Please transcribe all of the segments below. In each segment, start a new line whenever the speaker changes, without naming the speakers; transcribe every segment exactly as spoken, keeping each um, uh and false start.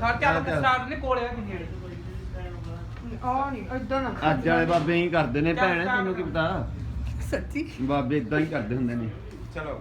ਖੜ ਚੱਲ ਸਟਾਰਟ ਨੇ ਕੋਲੇ ਆ ਕਿ ਨੇੜੇ
ਆ ਨਹੀਂ ਇਦਾਂ ਨਾ
ਅੱਜ ਵਾਲੇ ਬਾਬੇ ਹੀ ਕਰਦੇ ਨੇ ਭੈਣ, ਤੈਨੂੰ ਕੀ ਪਤਾ
ਸੱਚੀ
ਬਾਬੇ ਇਦਾਂ ਹੀ ਕਰਦੇ ਹੁੰਦੇ ਨੇ।
ਚਲੋ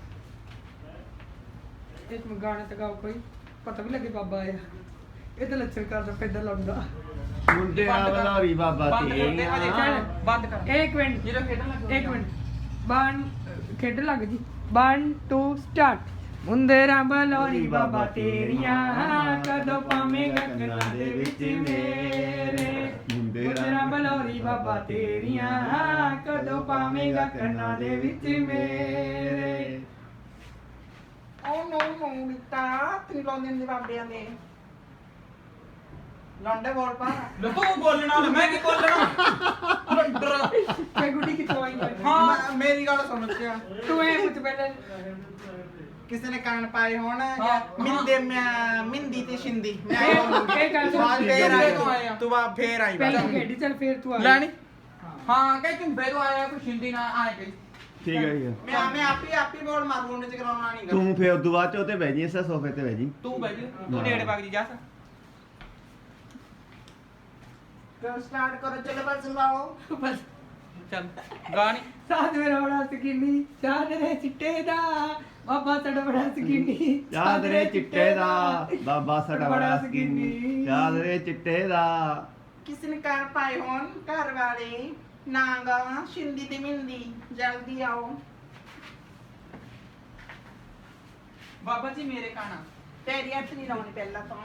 ਇੱਕ ਮੈਂ ਗਾਣੇ ਤੇ ਗਾਓ ਕੋਈ ਪਤਾ ਵੀ ਲੱਗੇ ਬਾਬਾ ਆਇਆ। ਇਹ ਤਾਂ ਲੱਛਣ ਕਰਦਾ ਪੈਦਾ ਲਾਉਂਦਾ।
ਮੁੰਡੇ ਆ ਬਲਾਰੀ ਬਾਬਾ
ਬੰਦ ਕਰ ਦੇ ਹਜੇ
ਤੇਰੀਆਂ
ਬੰਦ ਕਰ
ਇੱਕ ਮਿੰਟ
ਜਿਹੜਾ ਖੇਡਣ ਲੱਗਾ
ਇੱਕ ਮਿੰਟ ਵਨ ਖੇਡਣ ਲੱਗ ਜੀ ਵਨ ਟੂ ਸਟਾਰਟ। ਮੁੰਦਰਾਂ ਬਲੋਰੀ ਬਾਬਾ ਤੇਰੀਆਂ ਕਦੋਂ ਪਾਵੇਂਗਾ ਕੰਨਾਂ ਦੇ ਵਿੱਚ ਮੇਰੇ। ਮੁੰਦਰਾਂ ਬਲੋਰੀ ਬਾਬਾ ਤੇਰੀਆਂ ਕਦੋਂ ਪਾਵੇਂਗਾ ਕੰਨਾਂ ਦੇ ਵਿੱਚ ਮੇਰੇ।
ਉਹ ਨੋ ਨੋ ਬਿੱਟਾ ਤੇਰੀ ਲਾਉਂਦੇ ਨੇ ਬਾਬਿਆਂ ਦੇ ਲੰਡੇ ਬੋਲ ਪਾ
ਤੂੰ ਬੋਲਣਾ ਮੈਂ ਕੀ ਬੋਲਣਾ ਲੰਡਰ
ਤੇ ਗੁੱਡੀ ਕਿੱਥੋਂ ਆਈ ਹੈ?
ਹਾਂ ਮੇਰੀ ਗੱਲ ਸੁਣ ਸਿਆ
ਤੂੰ ਇਹ ਪੁੱਛ ਪਹਿਲਾਂ
ਕਿਸੇ ਨੇ ਕਾਨ ਪਾਏ ਹੋਣ
ਹਾਂ।
ਜਾਂ ਮਿੰਦੇ ਮੈਂ ਮਿੰਦੀ ਤੇ ਸ਼ਿੰਦੀ ਮੈਂ
ਇਹ- ਇਹ ਗੱਲ ਸੁਣ।
ਬਾਅਦ ਫੇਰ ਆਈ
ਤੋਂ ਆਇਆ।
ਤੂੰ ਬਾਅਦ ਫੇਰ ਆਈ
ਪਹਿਲਾਂ
ਬਾਅਦ।
ਖੇਡੀ ਚੱਲ ਫੇਰ ਤੂੰ ਆ
ਲੈਣੀ ਹਾਂ ਕਹੇ ਝੁੰਬੇ ਤੋਂ ਆਇਆ ਕੋਈ ਸ਼ਿੰਦੀ ਨਾ ਆਏ ਗਈ
ਠੀਕ ਹੈ ਜੀ।
ਮੈਂ ਮੈਂ ਆਪੀ ਆਪੀ ਬੋਲ ਮਾਰੂ ਉਹਨੇ ਚ ਕਰਾਉਣਾ ਨਹੀਂ ਗਾ
ਤੂੰ ਫੇਰ ਉਦੋਂ ਬਾਅਦ ਚ ਉੱਤੇ ਬਹਿ ਜੀ, ਇਸੇ ਸੋਫੇ ਤੇ ਬਹਿ ਜੀ।
ਤੂੰ ਬਹਿ ਜੀ ਤੂੰ ਨੇੜੇ ਵਗ ਜੀ ਜਾ
ਕਰੋ ਸਟਾਰਟ ਕਰੋ ਚਲੋ ਬਸ ਲਾਓ
ਬਸ
ਚੱਲ ਗਾਣੀ
ਸਾਧ ਮੇਰਾ ਬੜਾ ਸਕੀਨੀ ਚਾਦਰੇ ਚਿੱਟੇ ਦਾ ਬਾਬਾ ਸਾਡਾ ਬੜਾ ਸਕੀਨੀ
ਚਾਦਰੇ ਚਿੱਟੇ ਦਾ ਬਾਬਾ ਸਾਡਾ ਬੜਾ ਸਕੀਨੀ, ਚਾਦਰੇ ਚਿੱਟੇ ਦਾ।
ਕਿਸੇ ਨੇ ਕਾਨ ਪਾਏ ਹੋਣ ਘਰ ਵਾਲੇ ਨਾਂਗਾ ਸ਼ਿੰਦੀ ਤੇ ਮਿੰਦੀ ਜਲਦੀ ਆਓ
ਬਾਬਾ ਜੀ ਮੇਰੇ ਕਾਣਾ
ਤੇਰੀ ਹੱਥ ਨਹੀਂ ਲਾਉਣੀ ਪਹਿਲਾਂ ਤਾਂ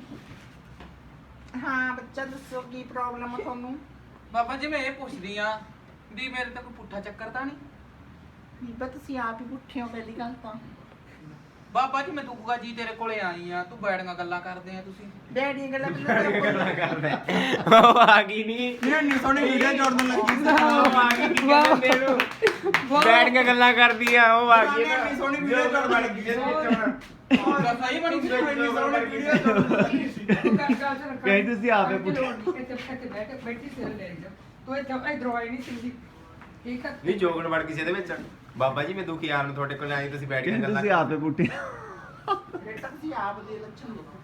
ਹਾਂ ਬੱਚਾ ਦੱਸੋ ਕੀ ਪ੍ਰੋਬਲਮ ਹੈ ਤੁਹਾਨੂੰ
ਬਾਬਾ ਜੀ ਮੈਂ ਇਹ ਪੁੱਛਦੀ ਆ ਵੀ ਮੇਰੇ ਤਾਂ ਕੋਈ ਪੁੱਠਾ ਚੱਕਰ ਤਾਂ ਨਹੀਂ
ਬੀਬਾ ਤੁਸੀਂ ਆਪ ਹੀ ਪੁੱਠੇ ਹੋ ਪਹਿਲੀ ਗੱਲ ਤਾਂ
ਬਾਬਾ ਜੀ ਮੈਂ ਦੁੱਗਾ ਜੀ ਤੇਰੇ ਕੋਲੇ ਆਈ ਆ ਤੂੰ ਬੈਠੀਆਂ ਗੱਲਾਂ ਕਰਦੇ ਆ ਤੁਸੀਂ
ਡੈਡੀ ਗੱਲਾਂ ਪਹਿਲਾਂ
ਕਰਦਾ ਉਹ ਆ ਗਈ ਨਹੀਂ
ਨਹੀਂ ਸੋਹਣੀ ਵੀਡੀਓ ਜੋੜਨ ਲੱਗੀ ਸੀ
ਉਹ ਆ ਗਈ ਕੀ ਕਹਿੰਦੇ ਇਹਨੂੰ ਬੈਠ ਕੇ ਗੱਲਾਂ ਕਰਦੀ ਆ ਉਹ ਆ ਗਈ
ਨਹੀਂ ਸੋਹਣੀ ਵੀਡੀਓ ਜੋੜਨ ਲੱਗੀ ਸੀ
ਗੱਲ ਸਹੀ ਬਣੀ ਸੀ
ਇੰਨੀ ਸੋਹਣੀ ਵੀਡੀਓ ਜੋੜਨ ਲੱਗੀ ਸੀ
ਕਹੀ ਤੁਸੀਂ ਆਪੇ ਪੁੱਛੋ।
ਇੱਥੇ ਇੱਥੇ ਬੈਠ ਬੈਠੀ ਸਿਰ ਲੈ ਜਾ ਤੂੰ ਇੱਥੇ ਇਧਰੋਂ ਆਈ ਨਹੀਂ ਸਿੰਦੀ ਠੀਕ ਹੈ
ਨਹੀਂ ਜੋਗਣ ਵੜ ਕਿਸੇ ਦੇ ਵਿੱਚ ਬਾਬਾ ਜੀ ਮੈਂ ਦੁਖੀ ਆਣ ਨੂੰ ਤੁਹਾਡੇ ਕੋਲ ਆਈ ਤੁਸੀਂ ਬੈਠ ਕੇ
ਕਹੀ
ਗੱਲਾਂ
ਤੁਸੀਂ ਆਪੇ ਪੁੱਟੇ।
ਬੇਟਾ ਤੁਸੀਂ ਆਪ ਦੇ ਲੱਛਣ ਦੇਖੋ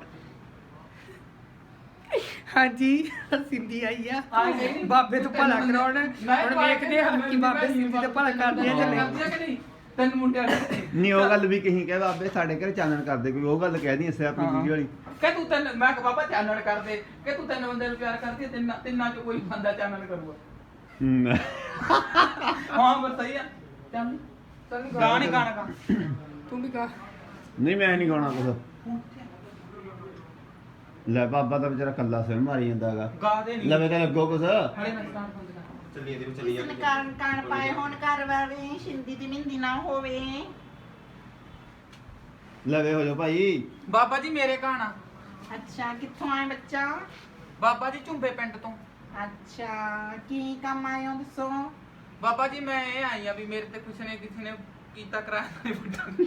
ਹਾਂਜੀ ਸਿੰਦੀ ਆਈ ਆ
ਆ ਗਈ।
ਬਾਬੇ ਤੋਂ ਭਲਾ ਕਰਾਉਣ ਹੁਣ ਵੇਖਦੇ ਹਾਂ ਕਿ ਬਾਬੇ ਸਿੰਦੀ ਦਾ ਭਲਾ ਕਰਦੇ ਆ ਜਾਂ ਨਹੀਂ
ਕਰਦੀ ਆ ਕਿ ਨਹੀਂ ਤਿੰਨ ਮੁੰਡਿਆਂ ਨੇ
ਨਹੀਂ ਉਹ ਗੱਲ ਵੀ ਕਹੀਂ ਕਹੇ ਬਾਬੇ ਸਾਡੇ ਘਰ ਚਾਨਣ ਕਰਦੇ, ਕੋਈ ਉਹ ਗੱਲ ਕਹਿ ਦੀ ਇਸੇ ਆਪਣੀ ਵੀਡੀਓ ਵਾਲੀ।
ਕਿ ਤੂੰ ਤਿੰਨ ਮੈਂ ਕਿ ਬਾਬਾ ਚਾਨਣ ਕਰਦੇ ਕਿ ਤੂੰ ਤਿੰਨ ਬੰਦੇ ਨੂੰ ਪਿਆਰ ਕਰਦੀ ਹੈ ਤਿੰਨਾਂ ਤਿੰਨਾਂ ਚੋਂ ਕੋਈ ਬੰਦਾ ਚਾਨਣ ਕਰੂਗਾ
ਹਮ।
ਹਾਂ ਬਸ ਸਹੀ ਆ ਚੱਲ ਚੱਲ ਗਾਣੇ ਗਾਣਾ ਗਾ
ਤੂੰ ਵੀ ਕਹਾ
ਨਹੀਂ ਮੈਂ ਨਹੀਂ ਗਾਉਣਾ ਕੁਛ। ਲੈ ਬਾਬਾ ਦਾ ਵਿਚਾਰਾ ਕੱਲਾ ਸਿਰ ਮਾਰੀ ਜਾਂਦਾ ਹੈਗਾ।
ਗਾ ਦੇ ਨਹੀਂ
ਲਵੇ ਤਾਂ ਲੱਗੋ ਕੁਛ।
ਹਲੇ ਮੈਂ ਸਟਾਰਟ ਬੰਦ ਕਰ
ਚੱਲੀ ਇਹਦੇ ਵਿੱਚ ਚੱਲੀ
ਕਿਸੇ ਨੇ
ਜਾਂਦੀ
ਕਾਨ ਕਾਨ ਪਾਏ ਹੋਣ ਘਰ ਵਾਲੇ ਸ਼ਿੰਦੀ ਤੇ ਮਿੰਦੀ ਨਾ ਹੋਵੇ
ਲਵੇ ਹੋ ਜਾ ਭਾਈ।
ਬਾਬਾ ਜੀ ਮੇਰੇ ਗਾਣਾ
ਅੱਛਾ ਕਿੱਥੋਂ ਆਏ ਬੱਚਾ
ਬਾਬਾ ਜੀ ਝੁੰਬੇ ਪਿੰਡ ਤੋਂ
ਅੱਛਾ ਕੀ ਕੰਮ ਆਏ ਹੋ ਦੱਸੋ
ਬਾਬਾ ਜੀ ਮੈਂ ਇਹ ਆਈ ਆ ਵੀ ਮੇਰੇ ਤੇ ਕੁਛ ਨੇ ਕਿਸੇ ਨੇ ਕੀਤਾ ਕਰਾਇਆ ਨਹੀਂ ਬੁੱਢਾ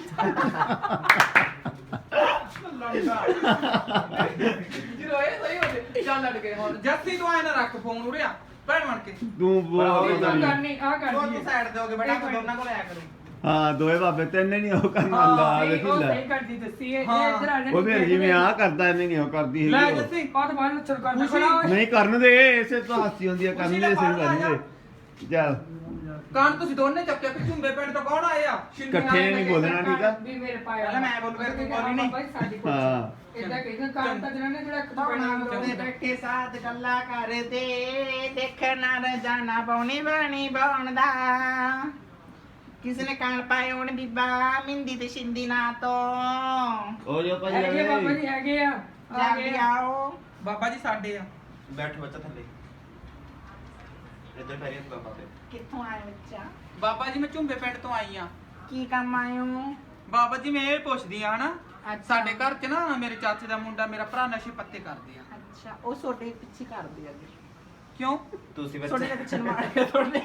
ਜਦੋਂ ਇਹ ਸਹੀ ਹੋ ਜੇ ਚੱਲ ਲੜ ਗਏ ਹੁਣ ਜੱਸੀ ਤੂੰ ਆਏ ਨਾ ਰੱਖ ਫੋਨ ਉਰਿਆ ਭੈਣ ਬਣ ਕੇ
ਤੂੰ ਬੋਲ
ਤੂੰ
ਪਤਾ ਨਹੀਂ।
ਕਰਨੀ ਆ ਕਰਨੀ
ਦੋਨੋਂ ਸਾਈਡ ਦੇ ਹੋਗੇ ਬੇਟਾ ਦੋਨਾਂ ਕੋਲ ਆਇਆ ਕਰੋ
ਹਾਂ ਦੋਏ ਬਾਬੇ ਤੈਨੇ ਨਹੀਂ ਉਹ ਕਰਨਾ
ਹਾਂ,
ਲਾ
ਨਹੀਂ,
ਵੇਖੀ
ਉਹ
ਲੈ।
ਸਹੀ ਕਰਦੀ ਦੱਸੀ ਇਹ
ਹਾਂ।
ਇੱਧਰ ਆ ਜਾ
ਉਹ ਫਿਰ ਜਿਵੇਂ ਆ ਕਰਦਾ ਐਵੇਂ ਨਹੀਂ ਉਹ ਕਰਦੀ
ਲੈ
ਹੈਗੀ ਉਹ।
ਜੱਸੀ
ਆਹ ਤਾਂ ਬਾਹਰ ਲੱਛਣ ਕਰਦਾ
ਖੁਸ਼ੀ।
ਖੜਾ ਹੋਏ।
ਨਹੀਂ ਕਰਨ ਦੇ, ਇਸੇ ਤੋਂ ਹਾਸੀ ਹੁੰਦੀ ਹੈ, ਕਰਨ ਦੇ ਸਿਰ ਕਰਨ ਦੇ। ਚੱਲ
ਕਾਨ ਤੁਸੀਂ ਦੋਨੇ ਚੱਕਿਆ ਕਿ ਝੁੰਬੇ ਪਿੰਡ ਤੋਂ ਕੌਣ ਆਏ ਆ ਸ਼ਿੰਦੇ
ਇਕੱਠੇ
ਵਾਲੇ
ਨਹੀਂ
ਲੱਗੇ।
ਬੋਲਣਾ ਠੀਕ ਆ।
ਵੀ ਮੇਰੇ ਪਾਇਆ
ਪਹਿਲਾਂ ਮੈਂ ਬੋਲੂਗਾ, ਤੂੰ ਬੋਲੀ ਨਹੀਂ।
ਹਾਂ।
ਇਦਾਂ ਕਹਿੰਦਾ ਕੰਮ ਤਾਂ ਜਿਹਨਾਂ ਨੇ ਜਿਹੜਾ ਇੱਕ
ਬਣਾ
ਪੈਣਾ
ਦੇ ਬੈਠੇ ਸਾਥ ਗੱਲਾਂ ਕਰਦੇ ਦੇਖਣਾ ਰਜਾਨਾ ਬੌਣੀ ਬਾਣੀ ਬੌਣਦਾ ਕਿਸੇ ਨੇ ਕਾਨ ਪਾਏ ਹੋਣ ਬੀਬਾ ਮਿੰਦੀ ਤੇ ਸ਼ਿੰਦੀ ਨਾ ਤੋਂ
ਉਹ ਜੋ ਭਾਈ
ਹੈਗੇ ਬਾਬਾ ਜੀ ਹੈਗੇ ਆ ਆ ਗਏ
ਜਲਦੀ
ਆ।
ਆਓ
ਬਾਬਾ ਜੀ ਸਾਡੇ ਆ
ਬੈਠ ਬੱਚਾ ਥੱਲੇ ਇੱਧਰ ਪੈਰੀਂ ਬਾਬਾ ਤੇ
ਕਿੱਥੋਂ ਆਏ ਬੱਚਾ
ਬਾਬਾ ਜੀ ਮੈਂ ਝੁੰਬੇ ਪਿੰਡ ਤੋਂ ਆਈ ਆ
ਕੀ ਕੰਮ ਆਏ ਹੋ
ਬਾਬਾ ਜੀ ਮੈਂ ਇਹ ਪੁੱਛਦੀ ਆ ਹਨਾ
ਅੱਛਾ।
ਸਾਡੇ ਘਰ 'ਚ ਨਾ ਮੇਰੇ ਚਾਚੇ ਦਾ ਮੁੰਡਾ ਮੇਰਾ ਭਰਾ ਨਸ਼ੇ ਪੱਤੇ ਕਰਦੇ ਆ
ਅੱਛਾ ਉਹ ਛੋਟੇ ਪਿੱਛੇ ਕਰਦੇ ਆ ਜੀ
ਕਿਉਂ
ਤੁਸੀਂ
ਛੋਟੇ
ਬੱਚੇ
ਦੇ ਪਿੱਛੇ ਮਾਰ ਕੇ ਤੁਹਾਡੇ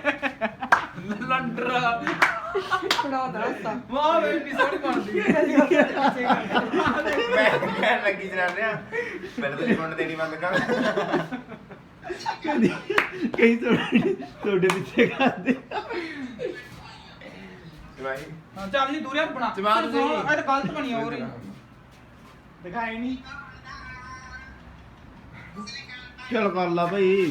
ਲੰਡਰਾ
ਖੜਾ ਦਾ ਰਸਤਾ
ਵਾਹ ਬੇਟੀ ਸੋਹਣੀ ਬਣਦੀ
ਮੈਂ ਕਹਿਣ ਲੱਗੀ ਜਰਾ ਰਿਆ ਪਹਿਲਾਂ ਤੁਸੀਂ ਮੁੰਡ ਦੇਣੀ ਬੰਦ ਕਰ
ਕਦੀ ਕਈ ਤੁਹਾਡੇ ਤੁਹਾਡੇ ਪਿੱਛੇ ਕਰਦੇ।
ਭਾਈ
ਹਾਂ ਚੱਲ ਜੀ ਦੂਰਿਆ ਬਣਾ
ਜਵਾਬ ਤੁਸੀਂ।
ਇਹ ਤਾਂ ਗਲਤ ਬਣੀ ਹੋ ਰਹੀ
ਦਿਖਾਈ ਨਹੀਂ
ਚਲ ਕਰ ਲਾ ਭਾਈ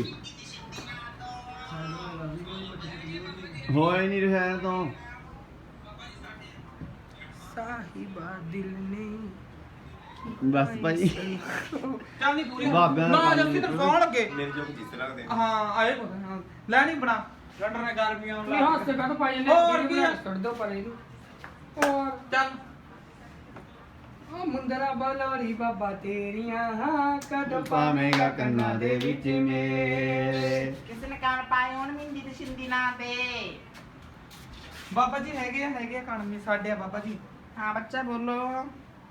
ਹੋਏ ਨਹੀਂ ਰਿਹਾ ਤੋਂ
ਸਾਹਿਬਾ ਦਿਲ ਨੇ
ਬਸ ਭਾਈ
ਚੱਲ ਨਹੀਂ ਪੂਰੀ
ਬਾਬਿਆਂ ਦਾ
ਨਾ
ਕੰਮ
ਜੱਸੀ ਤੈਨੂੰ ਕੌਣ ਲੱਗੇ
ਮੇਰੇ ਜੋ ਜਿਸ ਲੱਗਦੇ
ਹਾਂ ਆਏ ਪਤਾ ਹਾਂ ਲੈ ਨਹੀਂ ਬਣਾ ਰੰਡਰ ਨੇ ਗਰਮੀਆਂ ਨੂੰ
ਨਹੀਂ
ਲਾ
ਹਾਸੇ ਕਾ ਪਾਈ ਜਾਂਦੇ
ਹੋਰ ਕੀ ਆ?
ਛੱਡ ਦੋ ਪਰ ਇਹਨੂੰ ਹੋਰ
ਚੱਲ
ਉਹ ਮੁੰਦਰਾ ਬਲੋਰੀ ਬਾਬਾ ਤੇਰੀਆਂ ਹਾਂ ਕਦੋਂ
ਪਾਵੇਂਗਾ ਕੰਨਾਂ ਦੇ ਵਿੱਚ ਮੇਰੇ
ਕਿਸੇ ਨੇ ਕਾਨ ਪਾਏ ਹੋਣ ਮਿੰਦੀ ਤੇ ਸ਼ਿੰਦੀ ਨਾ ਤੇ
ਬਾਬਾ ਜੀ ਹੈਗੇ ਆ ਹੈਗੇ ਆ ਕਣਮੀ ਸਾਡੇ ਆ ਬਾਬਾ ਜੀ
ਹਾਂ ਬੱਚਾ ਬੋਲੋ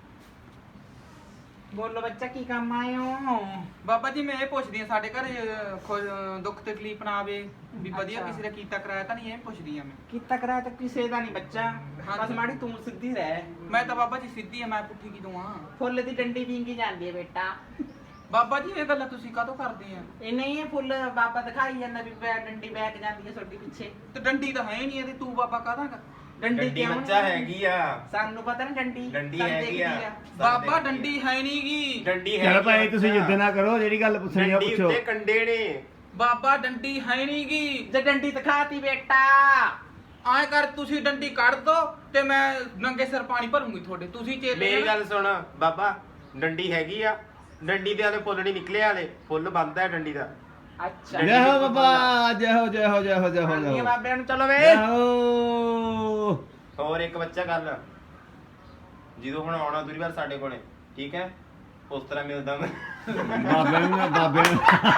ਬੋਲੋ ਬੱਚਾ ਕੀ ਕੰਮ ਆਏ ਹੋ
ਬਾਬਾ ਜੀ ਮੈਂ ਇਹ ਪੁੱਛਦੀ ਆ ਸਾਡੇ ਘਰੇ ਅਹ, ਖੁ- ਦੁੱਖ ਤਕਲੀਫ ਨਾ ਆਵੇ ਵੀ ਵਧੀਆ
ਅੱਛਾ।
ਕਿਸੇ ਦਾ ਕੀਤਾ ਕਰਾਇਆ ਤਾਂ ਨਹੀਂ ਇਹ ਪੁੱਛਦੀ ਆ ਮੈਂ
ਕੀਤਾ ਕਰਾਇਆ ਤਾਂ ਕਿਸੇ ਦਾ ਨਹੀਂ ਬੱਚਾ ਬਸ
ਹਾਂਜੀ।
ਮਾੜੀ ਤੂੰ ਸਿੱਧੀ ਰਹਿ
ਮੈਂ ਤਾਂ ਬਾਬਾ ਜੀ ਸਿੱਧੀ ਆ ਮੈਂ ਪੁੱਠੀ ਕੀ ਦੂੰ ਆ
ਫੁੱਲ ਦੀ ਡੰਡੀ ਵਿੰਗੀ ਜਾਂਦੀ ਹੈ ਬੇਟਾ
ਬਾਬਾ ਜੀ ਇਹ ਗੱਲਾਂ ਤੁਸੀਂ ਕਾਹਤੋਂ ਕਰਦੇ ਆ
ਇਹ ਨਹੀਂ ਇਹ ਫੁੱਲ ਬਾਬਾ ਦਿਖਾਈ ਜਾਂਦਾ ਵੀ ਬੈ ਡੰਡੀ ਬੈਕ ਜਾਂਦੀ ਹੈ ਤੁਹਾਡੀ ਪਿੱਛੇ
ਤੇ ਡੰਡੀ ਤਾਂ ਹੈ ਹੀ ਨਹੀਂ ਇਹਦੀ ਤੂੰ ਬਾਬਾ ਕਾਹਦਾ ਕਰ
ਡੰਡੀ
ਡੰਡੀ
ਕਿਉਂ
ਬੱਚਾ
ਨਹੀਂ?
ਹੈਗੀ ਆ
ਸਾਨੂੰ ਪਤਾ ਨਾ ਡੰਡੀ
ਡੰਡੀ
ਸਾਨੂੰ
ਹੈਗੀ ਆ।
ਦੇਖਦੀ
ਬਾਬਾ ਡੰਡੀ ਹੈ ਨਹੀਂ ਗੀ
ਡੰਡੀ ਹੈ
ਚਲ ਭਾਈ ਤੁਸੀਂ ਜਿੱਦ ਨਾ ਕਰੋ ਜਿਹੜੀ ਗੱਲ ਪੁੱਛਣੀ ਆ
ਡੰਡੀ
ਪੁੱਛੋ
ਉੱਤੇ ਕੰਡੇ ਨੇ
ਬਾਬਾ ਡੰਡੀ ਹੈ ਨਹੀਂ ਗੀ
ਜੇ ਡੰਡੀ ਦਿਖਾਤੀ ਬੇਟਾ
ਆਏ ਕਰ ਤੁਸੀਂ ਡੰਡੀ ਕੱਢ ਦੋ ਤੇ ਮੈਂ ਨੰਗੇ ਸਿਰ ਪਾਣੀ ਭਰੂੰਗੀ ਤੁਹਾਡੇ ਤੁਸੀਂ ਚੇਤੇ
ਮੇਰੀ ਗੱਲ ਸੁਣ ਬਾਬਾ ਡੰਡੀ ਹੈਗੀ ਆ ਡੰਡੀ ਦੇ ਵਾਲੇ ਫੁੱਲ ਨਹੀਂ ਨਿਕਲੇ ਵਾਲੇ ਫੁੱਲ ਬੰਦ ਹੈ ਡੰਡੀ ਦਾ
ਅੱਛਾ
ਜੈ ਹੋ ਬਾਬਾ ਜੈ ਹੋ ਜੈ ਹੋ ਜੈ ਹੋ ਜੈ ਹੋ
ਆਉਂਦੀ
ਜੈ
ਹੈ
ਹੋ
ਬਾਬਿਆਂ ਨੂੰ ਚਲੋ ਵੇ
ਜੈ ਹੋ
ਹੋਰ ਇੱਕ ਬੱਚਾ ਗੱਲ ਜਦੋਂ ਹੁਣ ਆਉਣਾ ਦੂਰੀ ਵਾਰ ਸਾਡੇ ਕੋਲੇ ਠੀਕ ਹੈ ਉਸ ਤਰ੍ਹਾਂ ਮਿਲਦਾ ਮੈਂ
ਬਾਬੇ ਨੂੰ ਨਾ ਬਾਬੇ ਨੂੰ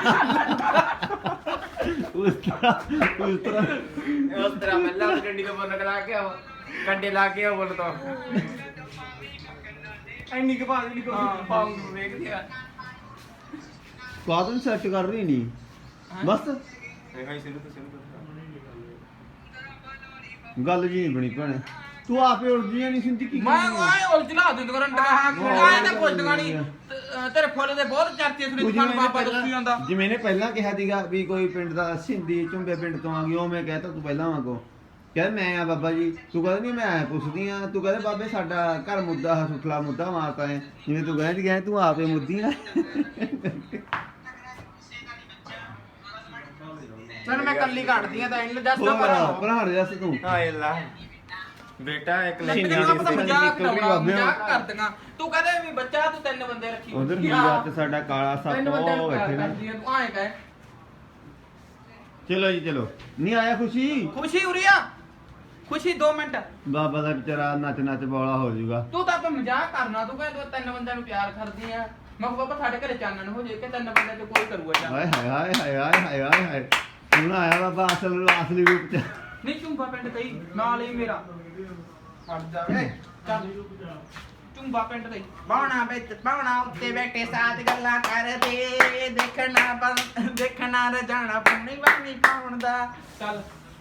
ਉਸ ਤਰ੍ਹਾਂ ਉਸ ਤਰ੍ਹਾਂ
ਉਸ ਤਰ੍ਹਾਂ ਮੱਲਾ ਉਸ ਡੰਡੀ ਤੋਂ ਫੁੱਲ ਲਾ ਕੇ ਆਓ ਕੰਡੇ ਲਾ ਕੇ ਆਓ ਫੁੱਲ ਤੋਂ
ਐਨੀ ਕਿ ਬਾਤ ਨਹੀਂ ਕੋਈ ਪਾਉਂ ਵੇਖਦੇ ਆ
ਕਾਦਨ ਸੈੱਟ ਕਰ ਰਹੀ ਨਹੀਂ ਬਸ
ਹਾਂ ਹਾਂ ਸ਼ੁਰੂ ਤੋਂ ਸ਼ੁਰੂ ਤੋਂ
ਗੱਲ ਜੀ ਨਹੀਂ ਬਣੀ ਭੈਣੇ ਤੂੰ ਆਪੇ ਉਲਝੀਆਂ ਨਹੀਂ ਸਿੰਦੀ ਕੀ
ਮੈਂ
ਕਰਨੀ ਆ?
ਆਏ ਉਲਝਲਾ ਦਿੰਦਾ ਰੰਡਾ ਆਏ ਤਾਂ ਪੁੱਛਦਾ ਨਹੀਂ ਤੇਰੇ ਫੁੱਲ ਦੇ ਬਹੁਤ ਚਰਚੇ ਸੁਣੀ
ਤੂੰ
ਤੁਹਾਨੂੰ
ਜਿਵੇਂ ਇਹਨੇ
ਬਾਬਾ ਦੱਸੀ ਜਾਂਦਾ
ਪਹਿਲਾਂ ਜਿਵੇਂ ਇਹਨੇ ਪਹਿਲਾਂ ਕਿਹਾ ਸੀਗਾ ਵੀ ਕੋਈ ਪਿੰਡ ਦਾ ਸਿੰਧੀ ਝੁੰਬੇ ਪਿੰਡ ਤੋਂ ਆ ਗਈ ਉਹ ਮੈਂ ਕਹਿਤਾ ਤੂੰ ਪਹਿਲਾਂ ਵਾਂਗੋ ਕਹਿੰਦਾ ਮੈਂ ਆ ਬਾਬਾ ਜੀ ਤੂੰ ਕਹਿੰਦਾ ਨਹੀਂ ਮੈਂ ਪੁੱਛਦੀ ਆ ਤੂੰ ਕਹਿੰਦਾ ਬਾਬੇ ਸਾਡਾ ਘਰ ਮੁੱਦਾ ਹੈ ਸੁਖਲਾ ਮੁੱਦਾ ਮਾਰਤਾ ਹੈ ਜਿਵੇਂ ਤੂੰ ਕਹਿੰਦੀ ਗਿਆ ਤੂੰ ਆਪੇ ਮੁੱਦੀ ਆ
ਚਲ ਮੈਂ ਕੱਲੀ ਕੱਢਦੀ ਆ ਤਾਂ ਇਹਨੂੰ ਜੱਸ ਨਾ
ਹੋਰ
ਪਰ
ਭਰਾ ਜੱਸ ਤੂੰ
ਹਾਏ ਅੱਲਾ ਬੇਟਾ ਇੱਕ
ਮੈਂ
ਸ਼ਿੰਦੇ
ਤੈਨੂੰ
ਵਾਲੀ
ਆਪਣਾ
ਸਿੱਖਣ ਦੀ
ਮਜ਼ਾਕ
ਨਿਕਲ ਰਹੀ
ਕਰਾਉਣਾ
ਬਾਬਿਆਂ।
ਮਜ਼ਾਕ ਕਰਦੀਆਂ ਤੂੰ ਕਹਦੇ ਵੀ ਬੱਚਾ ਤੂੰ ਤਿੰਨ ਬੰਦੇ ਰੱਖੀ
ਉਧਰ ਹੀਰਾ ਤੇ ਸਾਡਾ ਕਾਲਾ ਸੱਪ
ਤਿੰਨ ਬੰਦੇ
ਉਹ
ਨੂੰ ਪਿਆਰ
ਬੈਠੇ ਨੇ
ਕਰਦੀ ਆ ਤੂੰ ਆਏ ਕਹੇ
ਚਲੋ ਜੀ ਚਲੋ ਨਹੀਂ ਆਇਆ ਖੁਸ਼ੀ
ਖੁਸ਼ੀ ਉਰੀਆ ਖੁਸ਼ੀ ਦੋ ਮਿੰਟ
ਬਾਬਾ ਦਾ ਵਿਚਾਰਾ ਨੱਚ ਨੱਚ ਬੋਲਾ ਹੋ ਜਾਊਗਾ
ਤੂੰ ਤਾਂ ਆਪਾਂ ਮਜ਼ਾਕ ਕਰਨਾ ਤੂੰ ਕਹਿੰਦਾ ਤੂੰ ਤਿੰਨ ਬੰਦਿਆਂ ਨੂੰ ਪਿਆਰ ਕਰਦੀ ਆ ਮੈਂ ਕਿਹਾ ਬਾਬਾ ਸਾਡੇ ਘਰੇ ਚਾਨਣ ਹੋ ਜੇ ਕਿ ਤਿੰਨ ਬੰਦਿਆਂ ਚ ਕੋਈ ਕਰੂਗਾ ਚਾਨਣ
ਹਾਏ ਹਾਏ ਹਾਏ ਹਾਏ ਹਾਏ ਹਾਏ ਹਾਏ ਹਾਏ ਹੁਣ ਆਇਆ ਬਾਬਾ ਅਸਲ ਅਸਲੀ ਰੂਪ ਚ
ਨਹੀਂ ਚੁੰਬਾ ਪਿੰਡ ਕਈ ਨਾਲ ਹੀ ਮੇਰਾ ਹਟ ਜਾਵੇ ਚੱਲ ਚੁੰਬਾ ਪਿੰਡ ਕਈ
ਬਾਉਣਾ ਵਿੱਚ ਬਾਉਣਾ ਉੱਤੇ ਬੈਠੇ ਸਾਥ ਗੱਲਾਂ ਕਰਦੇ ਦੇਖਣਾ ਬੰ- ਦੇਖਣਾ ਰਜਾਣਾ ਪੂਣੀ ਵਾਣੀ ਪਾਉਣ ਦਾ
ਚੱਲ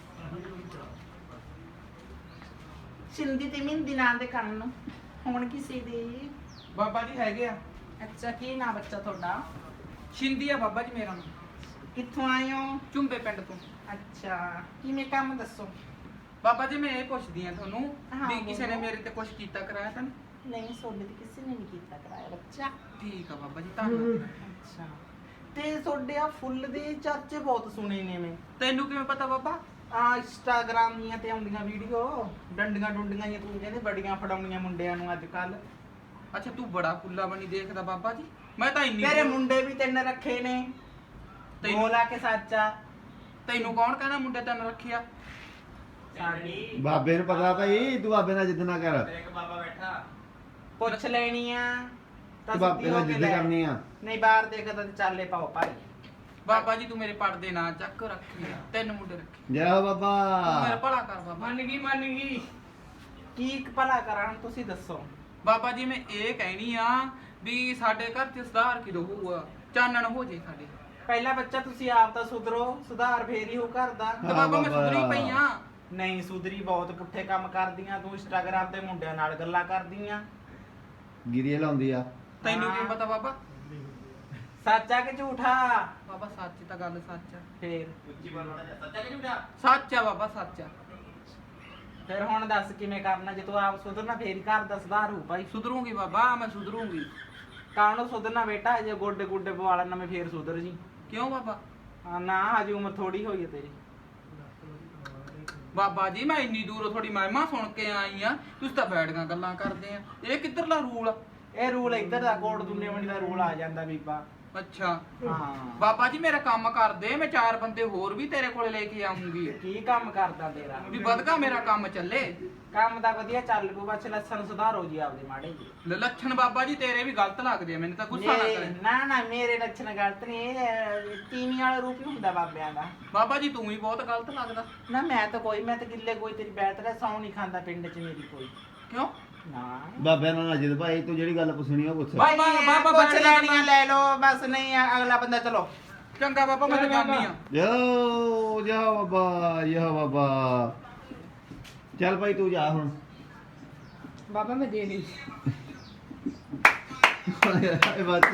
ਸਿੰਧੀ ਤੇ ਮਿੰਦੀ ਨਾਂ ਦੇ ਕੰਨ ਨੂੰ ਹੁਣ ਕਿਸੇ ਦੇ
ਬਾਬਾ ਜੀ ਹੈਗੇ ਆ
ਅੱਛਾ ਕੀ ਨਾਂ ਬੱਚਾ ਤੁਹਾਡਾ
ਸ਼ਿੰਦੀ ਆ ਬਾਬਾ ਜੀ ਮੇਰਾ ਨਾਮ
ਕਿੱਥੋਂ ਆਏ ਹੋ
ਚੁੰਬੇ ਪਿੰਡ ਤੋਂ
ਅੱਛਾ ਕਿਵੇਂ ਕੰਮ ਦੱਸੋ
ਬਾਬਾ ਜੀ ਮੈਂ ਇਹ ਪੁੱਛਦੀ ਆ ਤੁਹਾਨੂੰ
ਹਾਂ,
ਵੀ ਕਿਸੇ ਨੇ
ਬੋਲੋ।
ਮੇਰੇ ਤੇ ਕੁਝ ਕੀਤਾ ਕਰਾਇਆ ਤਾਂ ਨਹੀਂ?
ਨਹੀਂ ਸੋਨੇ ਤੇ ਕਿਸੇ ਨੇ ਨਹੀਂ ਕੀਤਾ ਕਰਾਇਆ ਬੱਚਾ
ਠੀਕ ਆ ਬਾਬਾ ਜੀ ਧੰਨਵਾਦ
ਅੱਛਾ ਤੇ ਤੁਹਾਡੇ ਆ ਫੁੱਲ ਦੇ ਚਰਚੇ ਬਹੁਤ ਸੁਣੇ ਨੇ ਮੈਂ
ਤੈਨੂੰ ਕਿਵੇਂ ਪਤਾ ਬਾਬਾ
ਆ ਇੰਸਟਾਗ੍ਰਾਮ ਦੀਆਂ ਤੇ ਆਉਂਦੀਆਂ ਵੀਡੀਓ ਡੰਡੀਆਂ ਡੁੰਡੀਆਂ ਜਾਂ ਤੂੰ ਕਹਿੰਦੇ ਬੜੀਆਂ ਫੜਾਉਣੀਆਂ ਮੁੰਡਿਆਂ ਨੂੰ ਅੱਜ ਕੱਲ
ਅੱਛਾ ਤੂੰ ਬੜਾ ਫੁੱਲਾ ਬਣੀ ਦੇਖਦਾ ਬਾਬਾ ਜੀ ਮੈਂ ਤਾਂ ਇੰਨੀ
ਤੇਰੇ ਮੁੰਡੇ ਵੀ ਤਿੰਨ ਰੱਖੇ ਨੇ
ਤੈਨੂੰ-
ਬੋਲਾ ਕੇ ਸੱਚਾ
ਤੈਨੂੰ ਕੌਣ ਕਹਿੰਦਾ ਮੁੰਡੇ ਤੈਨੂੰ ਰੱਖਿਆ
ਸਾਡੀ
ਬਾਬੇ ਨੂੰ ਪਤਾ ਭਾਈ ਤੂੰ ਬਾਬੇ ਨਾਲ ਜਿੱਦ ਨਾ ਕਰ
ਇੱਕ ਬਾਬਾ ਬੈਠਾ
ਪੁੱਛ ਲੈਣੀ ਆ ਤਾਂ
ਤੂੰ ਬਾਬੇ
ਸਿੱਧੀ ਹੋ
ਨਾਲ
ਕੇ
ਜਿੱਦ
ਲੈ।
ਕਰਨੀ ਆ
ਨਹੀਂ ਬਾਹਰ ਦੇਖਦਾ ਤੇ ਚਾਲੇ ਪਾਓ ਭਾਈ
ਬਾਬਾ ਜੀ ਤੂੰ ਮੇਰੇ ਪੜਦੇ ਨਾ ਚੱਕ ਰੱਖੀ ਤਿੰਨ ਮੁੰਡੇ ਰੱਖੇ
ਜੈ ਹੋ
ਤੂੰ ਮੇਰਾ
ਬਾਬਾ
ਭਲਾ ਕਰ ਬਾਬਾ
ਮੰਨ ਗਈ ਮੰਨ ਗਈ
ਕੀ ਇੱਕ ਭਲਾ ਕਰਾਂ ਤੁਸੀਂ ਦੱਸੋ
ਬਾਬਾ ਜੀ ਮੈਂ ਇਹ ਕਹਿਣੀ ਆ ਵੀ ਸਾਡੇ ਘਰ ਚ ਸੁਧਾਰ ਕਿਦੋਂ ਹੋਊਗਾ ਚਾਨਣ ਹੋ ਜੇ ਸਾਡੇ
ਪਹਿਲਾ ਬੱਚਾ ਤੁਸੀਂ ਆਪ ਤਾਂ ਸੁਧਰੋ ਸੁਧਾਰ ਫੇਰ ਹੀ ਹੋ ਘਰ ਦਾ
ਤੇ
ਹਾਂ
ਬਾਬਾ ਮੈਂ
ਬਾਬਾ।
ਸੁਧਰੀ ਪਈ ਆ
ਨਹੀਂ ਸੁਧਰੀ ਬਹੁਤ ਪੁੱਠੇ ਕੰਮ ਕਰਦੀਆਂ ਤੂੰ ਇੰਸਟਾਗ੍ਰਾਮ ਤੇ ਮੁੰਡਿਆਂ ਨਾਲ ਗੱਲਾਂ ਕਰਦੀਆਂ
ਗਿਰੀਏ ਲਾਉਂਦੀ ਆ
ਤੈਨੂੰ
ਹਾਂ।
ਕੀ ਪਤਾ ਬਾਬਾ
ਸੱਚਾ ਕਿ ਝੂਠਾ
ਬਾਬਾ ਸੱਚ ਤਾਂ ਗੱਲ ਸੱਚ ਆ
ਫੇਰ
ਉੱਚੀ ਬੋਲਣਾ ਸੱਚਾ ਕਿ ਝੂਠਾ
ਸੱਚ ਆ ਬਾਬਾ ਸੱਚ ਆ
ਫਿਰ ਹੁਣ ਦੱਸ ਕਿਵੇਂ ਕਰਨਾ ਜੇ ਤੂੰ ਆਪ ਸੁਧਰਨਾ ਫੇਰ ਹੀ ਘਰ ਦਾ ਸੁਧਾਰ ਹੋਊ ਭਾਈ
ਸੁਧਰੂਗੀ ਬਾਬਾ ਮੈਂ ਸੁਧਰੂਗੀ
ਕਾਹਨੂੰ ਸੁਧਰਨਾ ਬੇਟਾ, ਜੇ ਗੋਡੇ ਗੁੱਡੇ ਪਵਾ ਲੈਣ ਨਵੇਂ ਫੇਰ ਸੁਧਰ ਜੀ।
ਕਿਉਂ ਬਾਬਾ?
ਹਾਂ, ਨਾ ਹਜੇ ਉਮਰ ਥੋੜੀ ਹੋਈ ਹੈ ਤੇਰੀ।
ਬਾਬਾ ਜੀ ਮੈਂ ਇੰਨੀ ਦੂਰੋਂ ਥੋੜੀ ਮਹਿਮਾ ਸੁਣ ਕੇ ਆਈ ਆ, ਤੁਸੀਂ ਤਾਂ ਬੈਠੀਆਂ ਗੱਲਾਂ ਕਰਦੇ ਆ। ਇਹ ਕਿੱਧਰਲਾ ਰੂਲ ਆ?
ਇਹ ਰੂਲ ਇੱਧਰ ਦਾ ਕੋਟ ਦੁੰਨੇ ਮੰਡੀ ਦਾ ਰੂਲ ਆ ਜਾਂਦਾ ਬੀਬਾ।
ਅੱਛਾ
ਹਾਂ
ਬਾਬਾ ਜੀ ਮੇਰਾ ਕੰਮ ਕਰਦੇ, ਮੈਂ ਚਾਰ ਬੰਦੇ ਹੋਰ ਵੀ ਤੇਰੇ ਕੋਲੇ ਲੈ ਕੇ ਆਉਂਗੀ
ਕੀ ਕੰਮ ਕਰਦਾ ਤੇਰਾ?
ਵੀ ਵਧਗਾ ਮੇਰਾ ਕੰਮ ਚੱਲੇ।
ਕੰਮ ਤਾਂ ਵਧੀਆ ਚੱਲ ਪੂ, ਬਸ ਲੱਛਣ ਸੁਧਾਰੋ ਜੀ ਆਪਦੇ ਮਾੜੇ ਜੀ।
ਲ- ਲੱਛਣ ਬਾਬਾ ਜੀ ਤੇਰੇ ਵੀ ਗਲਤ ਲੱਗਦੇ ਆ, ਮੈਨੂੰ ਤਾਂ ਗੁੱਸਾ ਨਾ
ਮੇਰੇ-
ਕਰੇ।
ਨਾ ਨਾ ਮੇਰੇ ਲੱਛਣ ਗਲਤ ਨਹੀਂ, ਇਹ ਤੀਵੀਂ ਵਾਲਾ ਰੂਪ ਹੀ ਹੁੰਦਾ ਬਾਬਿਆਂ ਦਾ।
ਬਾਬਾ ਜੀ ਤੂੰ ਵੀ ਬਹੁਤ ਗਲਤ ਲੱਗਦਾ।
ਨਾ ਮੈਂ ਤਾਂ ਕੋਈ, ਮੈਂ ਤਾਂ ਗਿੱਲੇ ਕੋਈ ਤੇਰੀ ਬੈਠ ਰਿਹਾ ਸੌ ਨਹੀਂ ਖਾਂਦਾ ਪਿੰਡ 'ਚ ਮੇਰੀ ਕੋਈ।
ਕਿਉਂ?
ਨਾ
ਬਾਬਿਆਂ ਨਾਲ ਅਜਿਤ ਭਾਈ ਤੂੰ ਜਿਹੜੀ ਗੱਲ ਪੁੱਛਣੀ ਆ ਉਹ ਪੁੱਛ
ਬਾਬਾ- ਬਾਬਾ
ਪੁੱਛ
ਬੈਠ
ਲੈਣੀਆਂ ਲੈ ਲਓ, ਬਸ ਨਹੀਂ ਆ, ਅਗਲਾ ਬੰਦਾ ਚਲੋ।
ਚੰਗਾ ਬਾਬਾ ਮੈਂ ਤਾਂ ਜਾਣੀ ਆ।
ਜੋ ਜਾ ਬਾਬਾ ਯਾ ਬਾਬਾ ਚੱਲ ਭਾਈ ਤੂੰ ਜਾ ਹੁਣ
ਬਾਬਾ ਮੈਂ ਦੇ ਨਹੀਂ
ਇਹ ਬਾਤ